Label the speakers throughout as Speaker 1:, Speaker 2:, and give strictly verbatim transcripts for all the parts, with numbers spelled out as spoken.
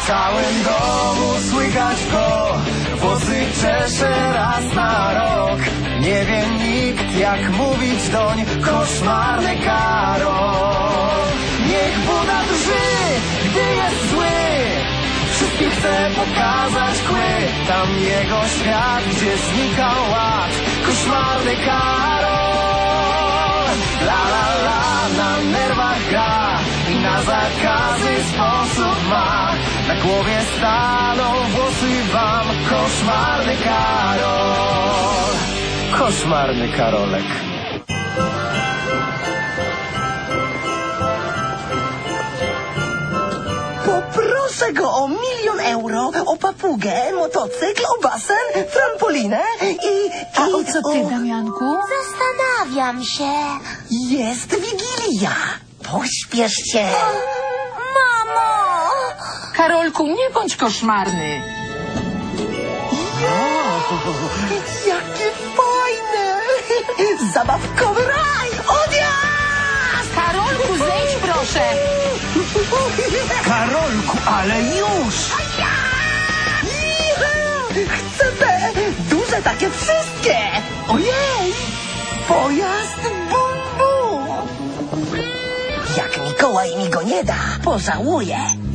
Speaker 1: całym domu słychać go, włosy czesze raz na rok. Nie wie nikt, jak mówić doń, koszmarny Karol. Niech Buda drży, gdy jest zły, wszystkim chce pokazać kły. Tam jego świat, gdzie znika ład, koszmarny Karol. La la la, na nerwach gra i na zakazy sposób ma. Na głowie staną włosy wam, koszmarny Karol. Koszmarny Karolek.
Speaker 2: Poproszę go o milion euro, o papugę, motocykl, o basen, trampolinę i... i
Speaker 3: A o co ty,
Speaker 2: o...
Speaker 3: Damianku?
Speaker 4: Zastanawiam się.
Speaker 2: Jest Wigilia. Pośpiesz się.
Speaker 4: Mamo!
Speaker 3: Karolku, nie bądź koszmarny.
Speaker 2: Jakie fajne! Zabawkowy raj! Odjazd!
Speaker 3: Karolku, zejdź proszę.
Speaker 1: Karolku, ale już!
Speaker 2: Chcę te duże takie wszystkie! Ojej! Pojazd bum bum! Jak Mikołaj mi go nie da, pożałuję.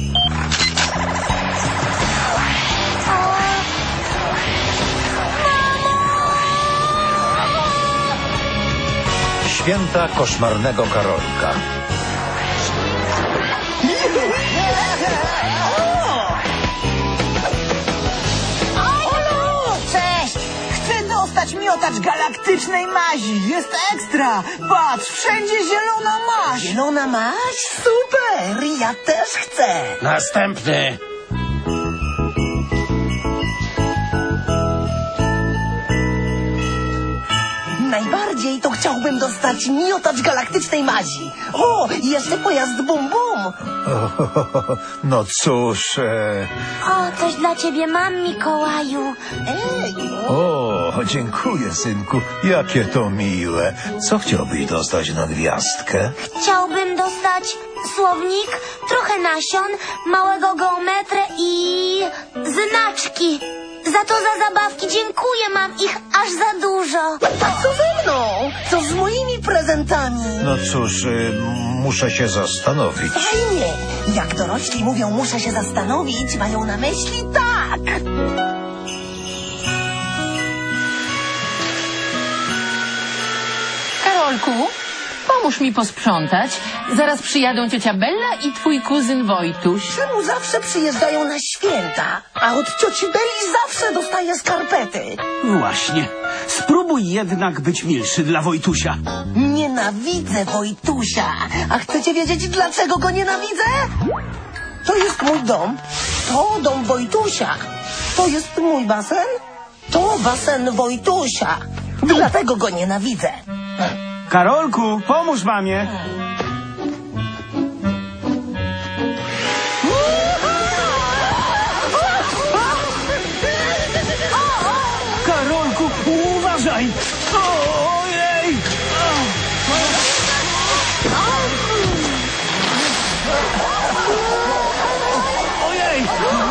Speaker 5: Święta koszmarnego Karolka.
Speaker 2: Cześć! Chcę dostać miotacz galaktycznej mazi. Jest ekstra! Patrz, wszędzie zielona maź! Zielona maź? Super! Ja też chcę!
Speaker 1: Następny.
Speaker 2: Najbardziej to chciałbym dostać miotacz galaktycznej mazi. O, i jeszcze pojazd bum bum.
Speaker 5: No cóż... E...
Speaker 4: O, coś dla ciebie mam, Mikołaju.
Speaker 2: Ej,
Speaker 5: O, dziękuję, synku. Jakie to miłe. Co chciałbyś dostać na gwiazdkę?
Speaker 4: Chciałbym dostać słownik, trochę nasion, małego geometrę i znaczki. Za to za zabawki dziękuję, mam ich aż za dużo.
Speaker 2: a co ze mną? Co z moimi prezentami?
Speaker 5: No cóż, e, muszę się zastanowić.
Speaker 2: Fajnie. Jak dorośli mówią, muszę się zastanowić, mają na myśli tak.
Speaker 3: Karolku, pomóż mi posprzątać. Zaraz przyjadą ciocia Bella i twój kuzyn Wojtuś.
Speaker 2: Czemu zawsze przyjeżdżają na święta, a od cioci Beli zawsze dostaję skarpety?
Speaker 6: Właśnie. Spróbuj jednak być milszy dla Wojtusia.
Speaker 2: Nienawidzę Wojtusia. A chcecie wiedzieć, dlaczego go nienawidzę? To jest mój dom. To dom Wojtusia. To jest mój basen. To basen Wojtusia. Dlatego go nienawidzę.
Speaker 6: Karolku, pomóż mamie. Karolku, uważaj! Ojej! Ojej!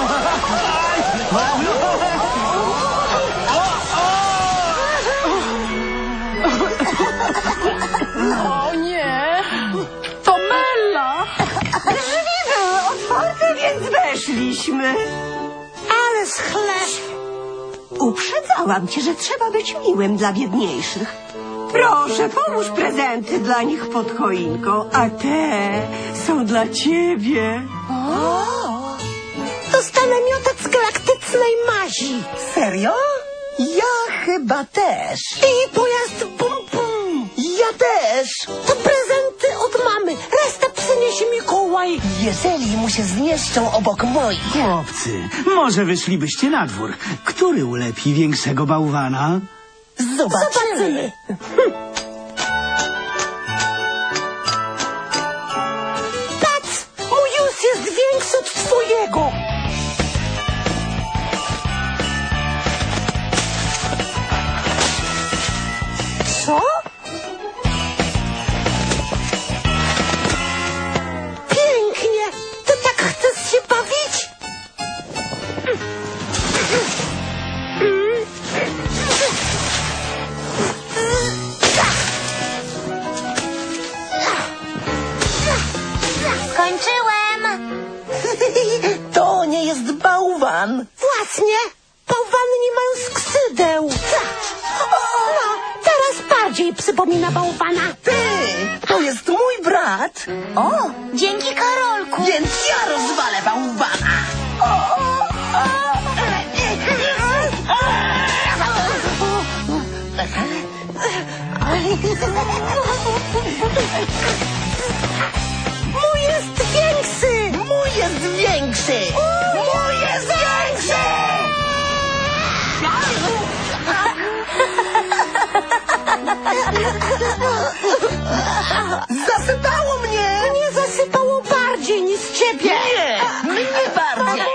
Speaker 3: O nie! To Bella!
Speaker 2: Drzwi były otwarte, więc weszliśmy. Ale schleb.
Speaker 7: Uprzedzałam cię, że trzeba być miłym dla biedniejszych. Proszę, połóż prezenty dla nich pod choinką, a te są dla ciebie.
Speaker 2: Dostanę miotacz galaktycznej mazi. Serio? Ja chyba też. I pojazd bum bum. Ja też. To prezenty od mamy. Resztę przyniesie Mikołaj. Jeżeli mu się zmieszczą obok moich.
Speaker 6: Chłopcy, może wyszlibyście na dwór. Który ulepi większego bałwana?
Speaker 2: Zobaczymy. Patrz, mój już jest większy od twojego. Co? Pięknie. Ty tak chcesz się bawić? To nie jest bałwan. Właśnie. Bałwany nie mają skrzydeł. No, teraz bardziej przypomina bałwana. Ty, to jest mój brat.
Speaker 4: O, dzięki Karolku.
Speaker 2: Więc ja rozwalę bałwana. Mój jest większy! Mój jest większy! Mój jest większy! Zasypało mnie! Mnie zasypało bardziej niż ciebie! Nie! Mnie bardziej!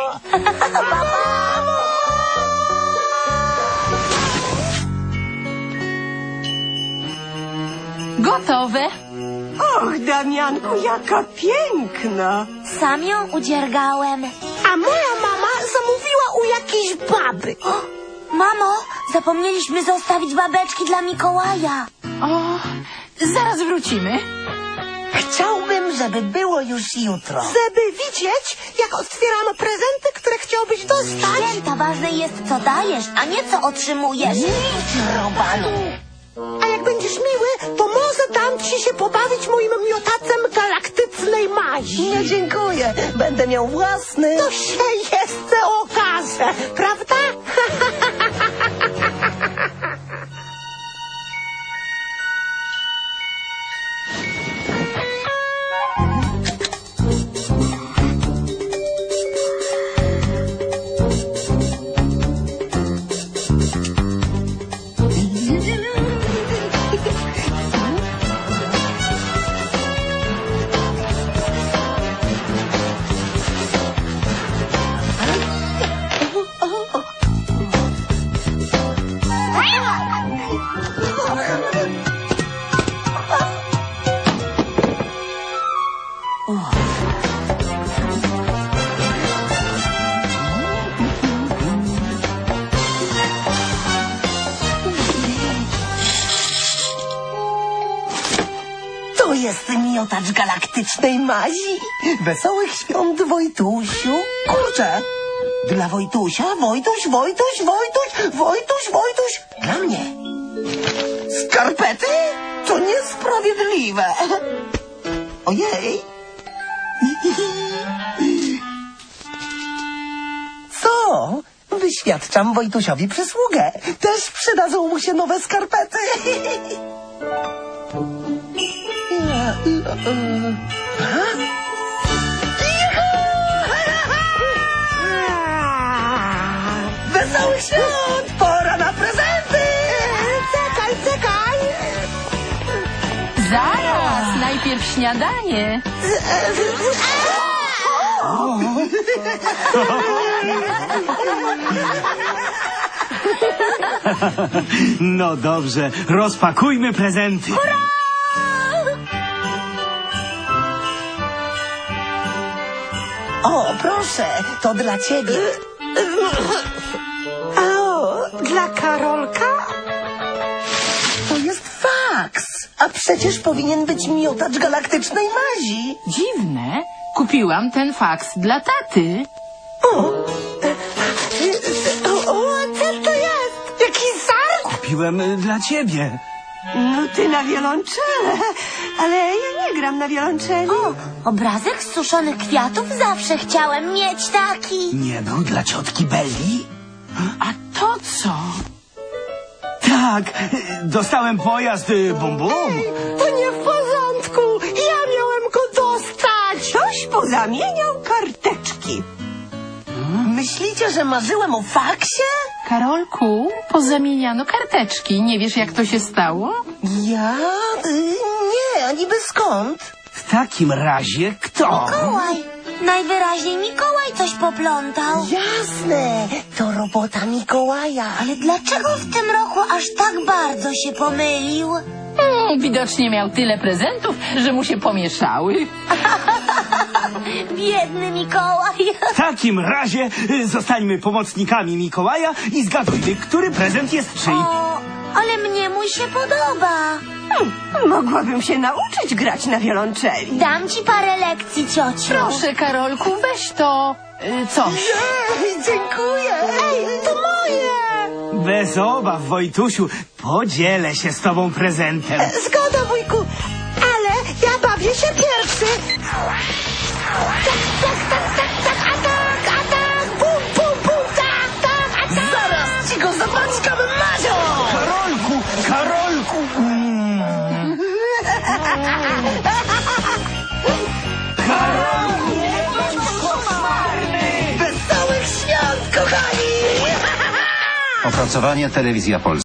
Speaker 3: Gotowe.
Speaker 7: Och, Damianku, jaka piękna!
Speaker 4: Sam ją udziergałem.
Speaker 2: A moja mama zamówiła u jakiejś baby.
Speaker 4: O, mamo, zapomnieliśmy zostawić babeczki dla Mikołaja.
Speaker 3: O, zaraz wrócimy.
Speaker 2: Chciałbym, żeby było już jutro. Żeby widzieć, jak otwieramy prezenty, które chciałbyś dostać.
Speaker 4: Święta, ważne jest, co dajesz, a nie co otrzymujesz.
Speaker 2: Nic, Robalu. A jak będziesz miły, to może dam ci się pobawić moim miotacem galaktycznej mazi. Nie, dziękuję. Będę miał własny. To się jeszcze okaże, prawda? To jest miotacz galaktycznej mazi. Wesołych świąt, Wojtusiu. Kurczę, dla Wojtusia, Wojtuś, Wojtuś, Wojtuś, Wojtuś, Wojtuś. Dla mnie. Skarpety? To niesprawiedliwe. Ojej. Co? Wyświadczam Wojtusiowi przysługę. Też przydadzą mu się nowe skarpety. Wesołych świąt! Pora na prezenty! Czekaj, czekaj!
Speaker 3: Zaraz, najpierw śniadanie.
Speaker 6: No dobrze, rozpakujmy prezenty.
Speaker 2: O, proszę, to dla ciebie. O, dla Karolka? To jest faks. A przecież powinien być miotacz galaktycznej mazi.
Speaker 3: Dziwne. Kupiłam ten faks dla taty.
Speaker 2: O, e, e, o, o co to jest? Jakiś żart?
Speaker 6: Kupiłem y, dla ciebie.
Speaker 7: No ty na wiolonczele, ale ja nie gram na wiolonczeli.
Speaker 4: O, obrazek z suszonych kwiatów? Zawsze chciałem mieć taki.
Speaker 6: Nie był dla ciotki Belli?
Speaker 3: A to co?
Speaker 6: Tak, y, dostałem pojazd y, bum bum.
Speaker 2: To nie w porządku. Ja miałem go dostać.
Speaker 7: Ktoś pozamieniał karteczki.
Speaker 2: Myślicie, że marzyłem o faksie?
Speaker 3: Karolku, pozamieniano karteczki. Nie wiesz, jak to się stało?
Speaker 2: Ja? Y, nie, a niby skąd?
Speaker 6: W takim razie kto?
Speaker 4: Mikołaj. Najwyraźniej Mikołaj coś poplątał.
Speaker 2: Jasne, to robota Mikołaja.
Speaker 4: Ale dlaczego w tym roku aż tak bardzo się pomylił?
Speaker 3: Hmm, widocznie miał tyle prezentów, że mu się pomieszały.
Speaker 4: Biedny Mikołaj.
Speaker 6: W takim razie y, zostańmy pomocnikami Mikołaja i zgadujmy, który prezent jest czyj.
Speaker 4: O, ale mnie mój się podoba.
Speaker 7: Mogłabym się nauczyć grać na wiolonczeli.
Speaker 4: Dam ci parę lekcji, ciociu.
Speaker 3: Proszę, Karolku, weź to y, coś.
Speaker 2: Ej, dziękuję. Ej, to moje.
Speaker 6: Bez obaw, Wojtusiu, podzielę się z tobą prezentem.
Speaker 2: Zgoda, wujku, ale ja bawię się pierwszy. Tak, tak, tak, tak, tak, atak, atak, bum, bum, bum, tak, tak, atak. Zaraz ci go zapaczkam, Mazio.
Speaker 6: Karolku, Karolku! Mm. Karolku, nie bądź koszmarny!
Speaker 2: Wesołych świąt, kochani.
Speaker 8: Opracowanie Telewizja Polska.